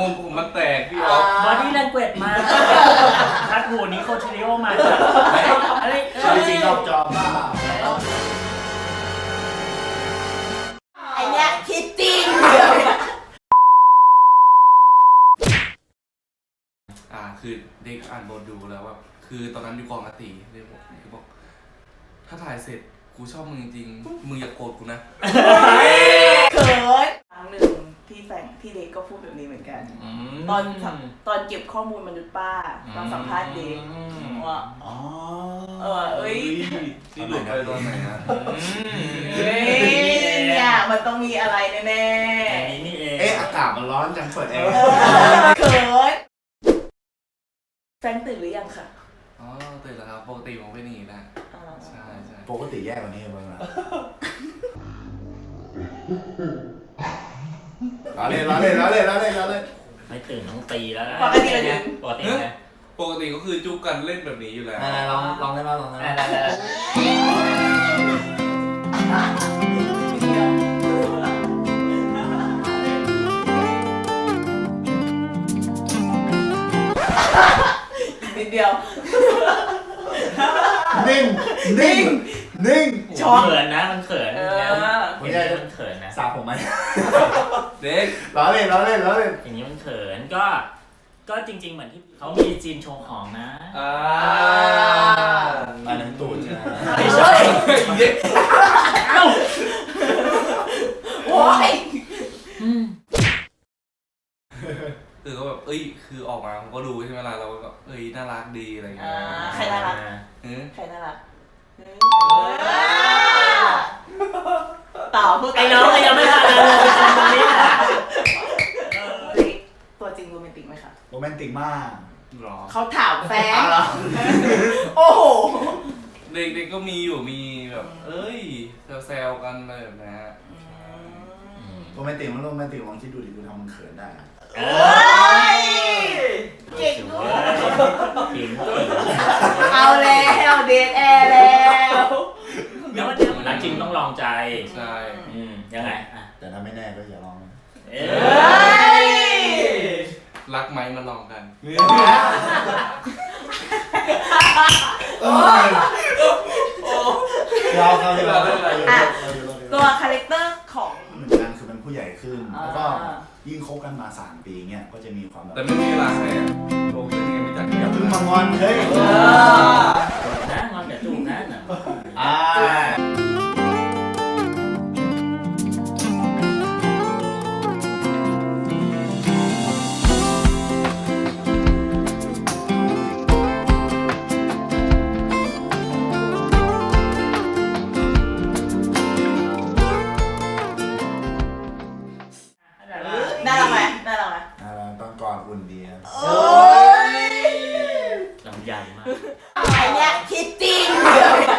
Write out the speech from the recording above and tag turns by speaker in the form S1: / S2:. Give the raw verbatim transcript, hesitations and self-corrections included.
S1: งผมมันแตกพี่ออก
S2: บอดี้แลงเกจมาคัดหูนี้โคชิริโอมาอะไร
S3: จริงๆเราจอมบ้า
S4: ไอเนี้ยคิดจริง
S1: อ่าคือเด็กอ่านบทดูแล้วว่าคือตอนนั้นอยู่กองอาตีเด็กบอกคือบอกถ้าถ่ายเสร็จกูชอบมึงจริงมึงอย่าโกรธกูนะ
S4: เขินครั้งหนึ่งที่แฟนที่เด็กก็พูดแบบนี้เหมือนกันตอนตอนเก็บข้อมูลมนุษย์ป้าตอนสัมภาษณ์เด็กว่าอ๋อเออเอ้ย
S1: นี่หลุดไปตอนไหนฮะ
S4: เฮ้ยเนี่ยมันต้องมีอะไรแน่ๆ
S2: นี่เอง
S3: เอ๊ะอากาศมันร้อนจังเปิดแอร์
S4: เขินแฟนตื่นหรือยังคะ
S1: อ๋อตื่นแล้วครับปกติผมเป็นอย่างนี้นะใช่ใช่
S3: ปกติแย่กว่านี้บ้างนะล้อเล่นล้อเล่นล้อเล่นล้อเล่นล้อเล่น
S2: ไม่ตื่นต้องตีแล้ว
S4: ปกติเลย
S2: ปกติไง
S1: ปกติก็คือจุ๊บกันเล่นแบบนี้อยู่แล้ว
S3: ลองลองได้ไหมลองได้ไหม
S4: นิดเดียว
S3: นิ่งนิ่งนิ่ง
S2: ช็อกเขินนะมันเขินไม่ได้มันเขินนะ
S3: สาผมไหม
S1: เด็ก
S3: ล้อเล่นล้อเล่นล้อเล่น
S2: อย่างนี้มันเขินก็ก็จริงๆเหมือนที่เขามีจีนโชว์ของนะ
S1: อ่า
S3: อันนั้นตูดใช่ไหม
S2: ไม่ใช่
S1: เด็ก
S4: โอ้ย
S1: คือเขาแบบเอ้ยคือออกมาผมก็ดูใช่ไหมล่ะเราก็เอ้ยน่ารักดีอะไรอย่างเงี้ย
S4: ใครน่ารักใครน่ารักต่อพูด
S2: ไอ้น้องยังไม่ทันเลยตอนนี้
S4: ตัวจริงโรแมนติกไหมคะ
S3: โรแมนติกมาก
S1: หรอ
S4: เขาถามแฟนโอ้โห
S1: เด็กๆก็มีอยู่มีแบบเอ้ยแซวๆกันอะไรแบบนี้
S3: โรแมนติกมันโรแมนติกลองคิดดูดิคุณทำมันเขินได้
S4: เอ้ยเก่งด้วยเอาแล้วเดทแอร์แล้ว
S2: แล้วมันจะรักจริงต้องลองใจ
S1: ใช่
S2: ยังไง
S3: แต่ถ้าไม่แน่ก็อย่าลอง
S1: รักไหมมาลองกัน
S3: เราเราเรา
S4: ตัวคาแรคเตอร์ของ
S3: เหมือนกันคือเป็นผู้ใหญ่ขึ้นแล้วก็ยิ่งคบกันมาสามปีเงี้ยก็จะมีความแบบ
S1: แต่ไม่มีเวลาให้โตขึ้นยังไม่จัด
S3: อย่าเพิ่งมางอนเฮ้ย
S2: นะงอนแต่จุ๊บนะ
S3: อ่า
S4: น่ารักไหมน่ารักไหม
S3: น่ารักตอนก่อนอุ่นดีครับ
S4: โอ้ย
S2: ลำใหญ่มาก
S4: ไอเนี้ยคิดจริง